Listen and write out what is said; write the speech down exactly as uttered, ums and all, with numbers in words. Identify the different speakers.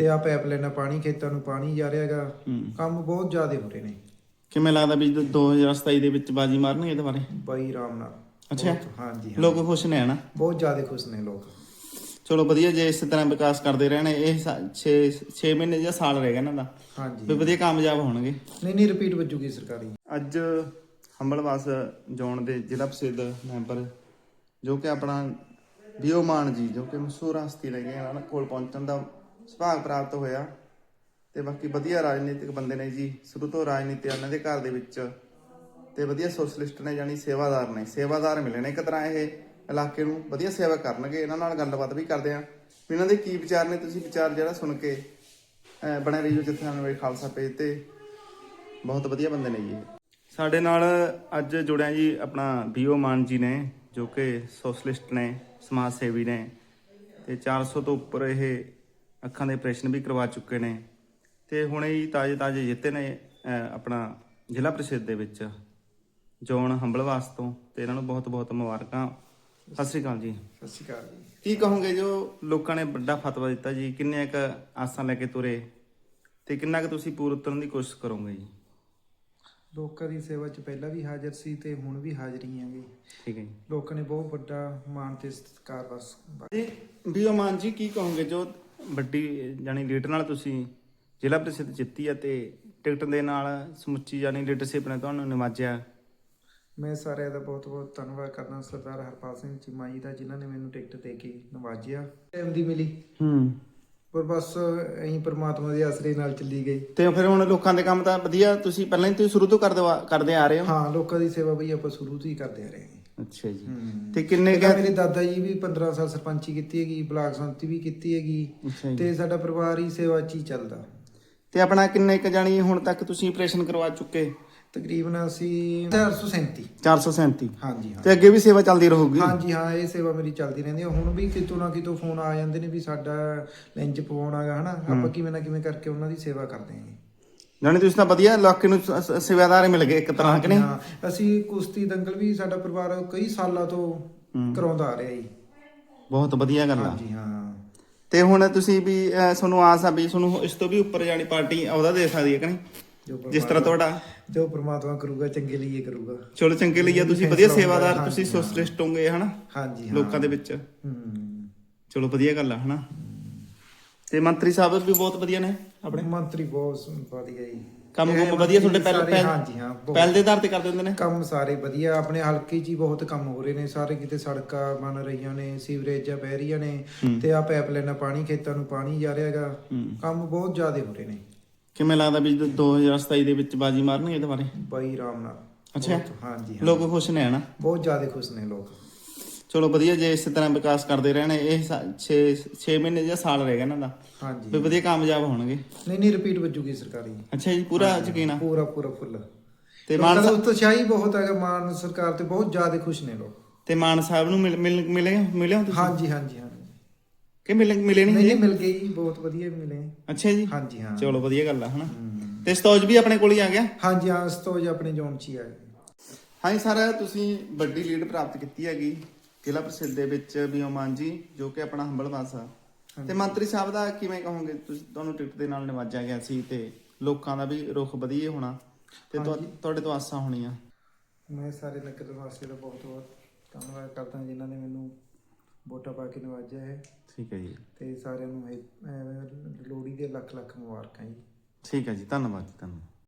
Speaker 1: ਤੇ ਆ ਪਾਈਪਲਾਈਨਾਂ ਪਾਣੀ ਖੇਤਾਂ ਨੂੰ ਪਾਣੀ ਜਾ ਰਿਹਾ ਹੈਗਾ। ਕੰਮ ਬਹੁਤ ਜ਼ਿਆਦਾ ਹੋ ਰਹੇ ਨੇ।
Speaker 2: ਕਿਵੇਂ ਲੱਗਦਾ ਵੀ ਦੋ ਹਜ਼ਾਰ ਸਤਾਈ ਦੇ ਵਿੱਚ ਬਾਜੀ ਮਾਰਨਗੇ ਇਹਦੇ ਬਾਰੇ?
Speaker 1: ਬਾਈ ਆਰਾਮ ਨਾਲ।
Speaker 2: ਅੱਛਾ,
Speaker 1: ਹਾਂਜੀ
Speaker 2: ਲੋਕ ਖੁਸ਼ ਨੇ ਹਨਾ?
Speaker 1: ਬਹੁਤ ਜ਼ਿਆਦਾ ਖੁਸ਼ ਨੇ ਲੋਕ।
Speaker 2: ਚਲੋ ਵਧੀਆ, ਜੇ ਇਸੇ ਤਰ੍ਹਾਂ ਵਿਕਾਸ ਕਰਦੇ ਰਹਿਣ। ਇਹ ਛੇ ਛੇ ਮਹੀਨੇ ਜਾਂ ਸਾਲ ਰਹਿ ਗਿਆ ਇਹਨਾਂ ਦਾ,
Speaker 1: ਹਾਂਜੀ
Speaker 2: ਵੀ ਵਧੀਆ ਕਾਮਯਾਬ ਹੋਣਗੇ।
Speaker 1: ਨਹੀਂ ਨਹੀਂ, ਰਿਪੀਟ ਵੱਜੂਗੀ ਸਰਕਾਰੀ।
Speaker 2: ਅੱਜ ਹੰਬਲਵਾਸ ਜ਼ੋਨ ਦੇ ਜ਼ਿਲ੍ਹਾ ਪ੍ਰਸਿੱਧ ਮੈਂਬਰ ਜੋ ਕਿ ਆਪਣਾ ਵੀਓ ਮਾਨ ਜੀ, ਜੋ ਕਿ ਮਸ਼ਹੂਰ ਹਸਤੀ ਲੈ ਗਏ ਇਹਨਾਂ ਕੋਲ ਪਹੁੰਚਣ ਦਾ ਸੁਭਾਗ ਪ੍ਰਾਪਤ ਹੋਇਆ। ਤੇ ਬਾਕੀ ਵਧੀਆ ਰਾਜਨੀਤਿਕ ਬੰਦੇ ਨੇ ਜੀ, ਸ਼ੁਰੂ ਤੋਂ ਰਾਜਨੀਤੀ ਇਹਨਾਂ ਦੇ ਘਰ ਦੇ ਵਿੱਚ, ਤੇ ਵਧੀਆ ਸੋਸ਼ਲਿਸਟ ਨੇ, ਜਾਨੀ ਸੇਵਾਦਾਰ ਨੇ, ਸੇਵਾਦਾਰ ਮਿਲੇ ਨੇ ਇੱਕ ਤਰ੍ਹਾਂ। ਇਹ ਇਲਾਕੇ ਨੂੰ ਵਧੀਆ ਸੇਵਾ ਕਰਨਗੇ। ਇਹਨਾਂ ਨਾਲ ਗੱਲਬਾਤ ਵੀ ਕਰਦੇ ਆ ਵੀ ਇਹਨਾਂ ਦੇ ਕੀ ਵਿਚਾਰ ਨੇ। ਤੁਸੀਂ ਵਿਚਾਰ ਜਿਹੜਾ ਸੁਣ ਕੇ ਬਣੇ ਰਹੀਓ ਜਥੇਬੰਦੀ ਖਾਲਸਾ ਪੇਜ ਤੇ। ਬਹੁਤ ਵਧੀਆ ਬੰਦੇ ਨੇ ਜੀ। ਸਾਡੇ ਨਾਲ ਅੱਜ ਜੁੜਿਆ ਜੀ ਆਪਣਾ ਵੀਓ ਮਾਨ ਜੀ ਨੇ, ਜੋ ਕਿ ਸੋਸ਼ਲਿਸਟ ਨੇ, ਸਮਾਜ ਸੇਵੀ ਨੇ, ਤੇ ਚਾਰ ਸੌ ਤੋਂ ਉੱਪਰ ਇਹ ਅੱਖਾਂ ਦੇ ਆਪਰੇਸ਼ਨ ਵੀ ਕਰਵਾ ਚੁੱਕੇ ਨੇ, ਤੇ ਹੁਣੇ ਹੀ ਤਾਜ਼ੇ ਤਾਜ਼ੇ ਜਿੱਤੇ ਨੇ ਆਪਣਾ ਜ਼ਿਲ੍ਹਾ ਪ੍ਰੀਸ਼ਦ ਦੇ ਵਿੱਚ ਜ਼ੋਨ ਹੰਬਲਵਾਸ ਤੋਂ। ਤੇ ਇਹਨਾਂ ਨੂੰ ਬਹੁਤ ਬਹੁਤ ਮੁਬਾਰਕਾਂ। ਸਤਿ ਸ਼੍ਰੀ ਅਕਾਲ ਜੀ।
Speaker 1: ਸਤਿ ਸ਼੍ਰੀ ਅਕਾਲ ਜੀ।
Speaker 2: ਕੀ ਕਹੋਗੇ ਜੋ ਲੋਕਾਂ ਨੇ ਵੱਡਾ ਫਤਵਾ ਦਿੱਤਾ ਜੀ, ਕਿੰਨੀਆਂ ਕੁ ਆਸਾਂ ਲੈ ਕੇ ਤੁਰੇ ਤੇ ਕਿੰਨਾ ਕੁ ਤੁਸੀਂ ਪੂਰ ਉਤਰਨ ਦੀ ਕੋਸ਼ਿਸ਼ ਕਰੋਗੇ ਜੀ?
Speaker 1: ਲੋਕਾਂ ਦੀ ਸੇਵਾ 'ਚ ਪਹਿਲਾਂ ਵੀ ਹਾਜ਼ਰ ਸੀ ਤੇ ਹੁਣ ਵੀ ਹਾਜ਼ਰੀ ਹੈਗੀ।
Speaker 2: ਠੀਕ ਹੈ ਜੀ।
Speaker 1: ਲੋਕਾਂ ਨੇ ਬਹੁਤ ਵੱਡਾ ਮਾਣ ਤੇ ਸਤਿਕਾਰ ਬਸ
Speaker 2: ਜੀ। ਵੀਓ ਮਾਨ ਜੀ, ਕੀ ਕਹੋਗੇ ਜੋ ਵੱਡੀ ਜਾਨੀ ਲੀਡਰ ਨਾਲ ਤੁਸੀਂ ਜ਼ਿਲ੍ਹਾ ਪ੍ਰੀਸ਼ਦ ਜਿੱਤੀ ਆ ਤੇ ਟਿਕਟ ਦੇ ਨਾਲ ਸਮੁੱਚੀ ਜਾਨੀ ਲੀਡਰਸ਼ਿਪ ਨੇ ਤੁਹਾਨੂੰ ਨਿਵਾਜਿਆ?
Speaker 1: ਮੈਂ ਸਾਰਿਆਂ ਦਾ ਬਹੁਤ ਬਹੁਤ ਧੰਨਵਾਦ ਕਰਦਾ ਸਰਦਾਰ ਹਰਪਾਲ ਸਿੰਘ ਚੀਮਾ ਜੀ ਦਾ, ਜਿਨ੍ਹਾਂ ਨੇ ਮੈਨੂੰ ਟਿਕਟ ਦੇ ਕੇ ਨਵਾਜਿਆ। ਟਾਈਮ ਦੀ ਮਿਲੀ
Speaker 2: ਹੂੰ,
Speaker 1: ਪਰ ਬਸ ਐਂ ਪ੍ਰਮਾਤਮਾ ਦੇ ਆਸਰੇ ਨਾਲ ਚੱਲੀ ਗਈ।
Speaker 2: ਤੇ ਫਿਰ ਹੁਣ ਲੋਕਾਂ ਦੇ ਕੰਮ ਤਾਂ ਵਧੀਆ ਤੁਸੀਂ ਪਹਿਲਾਂ ਹੀ ਤੁਸੀਂ ਸ਼ੁਰੂ ਤੋਂ ਕਰਦੇ ਕਰਦੇ ਆ ਰਹੇ ਹੋ?
Speaker 1: ਹਾਂ, ਲੋਕਾਂ ਦੀ ਸੇਵਾ ਬਈ ਆਪਾਂ ਸ਼ੁਰੂ ਤੋਂ ਹੀ ਕਰਦੇ ਆ ਰਹੇ ਹਾਂ।
Speaker 2: ਅੱਛਾ ਜੀ। ਤੇ ਕਿੰਨੇ
Speaker 1: ਮੇਰੇ ਦਾਦਾ ਜੀ ਵੀ ਪੰਦਰਾਂ ਸਾਲ ਸਰਪੰਚੀ ਕੀਤੀ ਹੈਗੀ, ਬਲਾਕ ਸੰਮਤੀ ਵੀ ਕੀਤੀ ਹੈਗੀ, ਤੇ ਸਾਡਾ ਪਰਿਵਾਰ ਹੀ ਸੇਵਾ 'ਚ ਹੀ ਚੱਲਦਾ।
Speaker 2: ਤੇ ਆਪਣਾ ਕਿੰਨੇ ਕੁ ਜਾਣੀ ਹੁਣ ਤੱਕ ਤੁਸੀਂ ਆਪਰੇਸ਼ਨ ਕਰਵਾ ਚੁੱਕੇ?
Speaker 1: ਤਕਰੀਬਨ ਅਸੀਂ ਚਾਰ ਸੌ ਸੈਂਤੀ।
Speaker 2: ਚਾਰ ਸੌ ਸੈਂਤੀ।
Speaker 1: ਹਾਂਜੀ ਹਾਂ।
Speaker 2: ਤੇ ਅੱਗੇ ਵੀ ਸੇਵਾ ਚੱਲਦੀ ਰਹੂਗੀ?
Speaker 1: ਹਾਂਜੀ ਹਾਂ, ਇਹ ਸੇਵਾ ਮੇਰੀ ਚੱਲਦੀ ਰਹਿੰਦੀ ਹੈ। ਹੁਣ ਵੀ ਕਿਤੋਂ ਨਾ ਕਿਤੋਂ ਫੋਨ ਆ ਜਾਂਦੇ ਨੇ ਵੀ ਸਾਡਾ ਲੈਂਜ ਪਵਾਉਣਾ ਗਾ, ਹਨਾ। ਆਪਾਂ ਕਿਵੇਂ ਨਾ ਕਿਵੇਂ ਕਰਕੇ ਉਹਨਾਂ ਦੀ ਸੇਵਾ ਕਰਦੇ ਹਾਂ।
Speaker 2: ਜਾਣੀ ਤੁਸੀਂ ਤਾਂ ਵਧੀਆ ਇਲਾਕੇ ਨੂੰ ਸੇਵਾਦਾਰ ਮਿਲ ਗਏ ਇੱਕ ਤਰ੍ਹਾਂ, ਕਿ ਨਹੀਂ?
Speaker 1: ਹਾਂ, ਅਸੀਂ ਕੁਸ਼ਤੀ ਦੰਗਲ ਵੀ ਸਾਡਾ ਪਰਿਵਾਰ ਕਈ ਸਾਲਾਂ ਤੋਂ ਕਰਾਉਂਦਾ ਆ ਰਿਹਾ ਜੀ।
Speaker 2: ਬਹੁਤ ਵਧੀਆ ਗੱਲ ਆ।
Speaker 1: ਹਾਂਜੀ ਹਾਂ।
Speaker 2: ਤੇ ਹੁਣ ਤੁਸੀਂ ਵੀ ਤੁਹਾਨੂੰ ਆਸ ਆ ਵੀ ਤੁਹਾਨੂੰ ਇਸ ਤੋਂ ਵੀ ਉੱਪਰ ਜਾਣੀ ਪਾਰਟੀ ਅਹੁਦਾ ਦੇ ਸਕਦੀ ਹੈ, ਕਿ ਨਹੀਂ? ਜਿਸ ਤਰ੍ਹਾਂ ਤੁਹਾਡਾ
Speaker 1: ਜੋ ਪ੍ਰਮਾਤਮਾ ਕਰੂਗਾ ਚੰਗੇ ਲਈ ਕਰੂਗਾ।
Speaker 2: ਚਲੋ ਚੰਗੇ ਲਈ ਆ, ਤੁਸੀਂ ਵਧੀਆ ਸੇਵਾਦਾਰ, ਤੁਸੀਂ ਸੋਸ਼ਲਿਸਟ ਹੋਗੇ ਹਨਾ
Speaker 1: ਹਾਂਜੀ
Speaker 2: ਲੋਕਾਂ ਦੇ ਵਿੱਚ।
Speaker 1: ਹੂੰ,
Speaker 2: ਚਲੋ ਵਧੀਆ ਗੱਲ ਆ ਹਨਾ। ਤੇ ਮੰਤਰੀ ਸਾਹਿਬ ਵੀ ਬਹੁਤ ਵਧੀਆ ਨੇ ਆਪਣੇ?
Speaker 1: ਮੰਤਰੀ ਬਹੁਤ ਵਧੀਆ ਜੀ,
Speaker 2: ਕੰਮ ਕੰਮ ਵਧੀਆ ਤੁਹਾਡੇ ਪਹਿਲ?
Speaker 1: ਹਾਂਜੀ ਹਾਂ,
Speaker 2: ਪਹਿਲ ਦੇ ਆਧਾਰ ਤੇ ਕਰ ਦਿੰਦੇ ਨੇ
Speaker 1: ਕੰਮ ਸਾਰੇ ਵਧੀਆ। ਆਪਣੇ ਹਲਕੇ 'ਚ ਹੀ ਬਹੁਤ ਕੰਮ ਹੋ ਰਹੇ ਨੇ ਸਾਰੇ ਕਿਤੇ। ਸੜਕਾਂ ਬਣ ਰਹੀਆਂ ਨੇ, ਸੀਵਰੇਜਾਂ ਬਹਿ ਰਹੀਆਂ ਨੇ, ਤੇ ਆ ਪਾਈਪਲਾਈਨਾਂ ਪਾਣੀ ਖੇਤਾਂ ਨੂੰ ਪਾਣੀ ਜਾ ਰਿਹਾ ਹੈਗਾ। ਕੰਮ ਬਹੁਤ ਜ਼ਿਆਦਾ ਹੋ ਰਹੇ ਨੇ।
Speaker 2: ਕਿਵੇਂ ਲੱਗਦਾ ਵੀ ਦੋ ਹਜ਼ਾਰ ਸਤਾਈ ਦੇ ਵਿੱਚ ਬਾਜੀ ਮਾਰਨਗੇ ਇਹਦੇ ਬਾਰੇ?
Speaker 1: ਬਾਈ ਆਰਾਮ ਨਾਲ।
Speaker 2: ਅੱਛਾ,
Speaker 1: ਹਾਂਜੀ
Speaker 2: ਲੋਕ ਖੁਸ਼ ਨੇ ਹਨਾ?
Speaker 1: ਬਹੁਤ ਜ਼ਿਆਦਾ ਖੁਸ਼ ਨੇ ਲੋਕ।
Speaker 2: ਚਲੋ ਵਧੀਆ, ਜੇ ਇਸੇ ਤਰ੍ਹਾਂ ਵਿਕਾਸ ਕਰਦੇ ਰਹਿਣ। ਇਹ ਛੇ ਛੇ ਮਹੀਨੇ ਜਾਂ ਸਾਲ ਰਹਿ ਗਿਆ ਇਹਨਾਂ ਦਾ,
Speaker 1: ਹਾਂਜੀ,
Speaker 2: ਵੀ ਵਧੀਆ ਕਾਮਯਾਬ ਹੋਣਗੇ।
Speaker 1: ਨਹੀਂ ਨਹੀਂ, ਰਿਪੀਟ ਵੱਜੂਗੀ ਸਰਕਾਰੀ।
Speaker 2: ਅੱਛਾ ਜੀ, ਪੂਰਾ ਯਕੀਨ ਆ?
Speaker 1: ਪੂਰਾ ਪੂਰਾ ਫੁੱਲ।
Speaker 2: ਤੇ ਮਾਨ
Speaker 1: ਉਤਸ਼ਾਹੀ ਬਹੁਤ ਹੈਗਾ ਮਾਨ ਸਰਕਾਰ ਤੇ, ਬਹੁਤ ਜ਼ਿਆਦਾ ਖੁਸ਼ ਨੇ ਲੋਕ।
Speaker 2: ਤੇ ਮਾਨ ਸਾਹਿਬ ਨੂੰ ਮਿਲ ਮਿਲੇ ਮਿਲੇ ਹੋ ਤੁਸੀਂ?
Speaker 1: ਹਾਂਜੀ ਹਾਂਜੀ ਹਾਂਜੀ।
Speaker 2: ਕਿ ਮਿਲੇ ਮਿਲੇ ਨਹੀਂ?
Speaker 1: ਨਹੀਂ, ਮਿਲ ਗਏ ਜੀ, ਬਹੁਤ ਵਧੀਆ ਮਿਲੇ।
Speaker 2: ਅੱਛਾ ਜੀ।
Speaker 1: ਹਾਂਜੀ ਹਾਂ।
Speaker 2: ਚਲੋ ਵਧੀਆ ਗੱਲ ਆ ਹਨਾ। ਤੇ ਸਤੋਜ ਵੀ ਆਪਣੇ ਕੋਲ ਹੀ ਆ ਗਿਆ?
Speaker 1: ਹਾਂਜੀ ਹਾਂ, ਸਤੋਜ ਆਪਣੇ ਜ਼ੋਨ 'ਚ ਹੀ ਆ ਗਿਆ।
Speaker 2: ਹਾਂਜੀ ਸਰ, ਤੁਸੀਂ ਵੱਡੀ ਲੀਡ ਪ੍ਰਾਪਤ ਕੀਤੀ ਹੈਗੀ ਜ਼ਿਲ੍ਹਾ ਪ੍ਰੀਸ਼ਦ ਦੇ ਵਿੱਚ ਵੀਓ ਮਾਨ ਜੀ, ਜੋ ਕਿ ਆਪਣਾ ਹੰਬਲਵਾਸ ਆ। ਤੇ ਮੰਤਰੀ ਸਾਹਿਬ ਦਾ ਕਿਵੇਂ ਕਹੋਗੇ? ਤੁਸੀਂ ਤੁਹਾਨੂੰ ਟਿਕਟ ਦੇ ਨਾਲ ਨਿਵਾਜਿਆ ਗਿਆ ਸੀ ਤੇ ਲੋਕਾਂ ਦਾ ਵੀ ਰੁਖ ਵਧੀਆ ਹੋਣਾ, ਤੇ ਤੁਹਾਡੇ ਤੋਂ ਆਸਾਂ ਹੋਣੀਆਂ।
Speaker 1: ਮੈਂ ਸਾਰੇ ਨਗਰ ਵਾਸੀਆਂ ਦਾ ਬਹੁਤ ਬਹੁਤ ਧੰਨਵਾਦ ਕਰਦਾ ਜਿਨ੍ਹਾਂ ਨੇ ਮੈਨੂੰ ਵੋਟਾਂ ਪਾ ਕੇ ਨਿਵਾਜਿਆ ਹੈ।
Speaker 2: ਠੀਕ ਹੈ ਜੀ।
Speaker 1: ਤੇ ਸਾਰਿਆਂ ਨੂੰ ਲੋਹੜੀ ਦੇ ਲੱਖ ਲੱਖ ਮੁਬਾਰਕਾਂ ਜੀ।
Speaker 2: ਠੀਕ ਹੈ ਜੀ, ਧੰਨਵਾਦ ਜੀ, ਧੰਨਵਾਦ।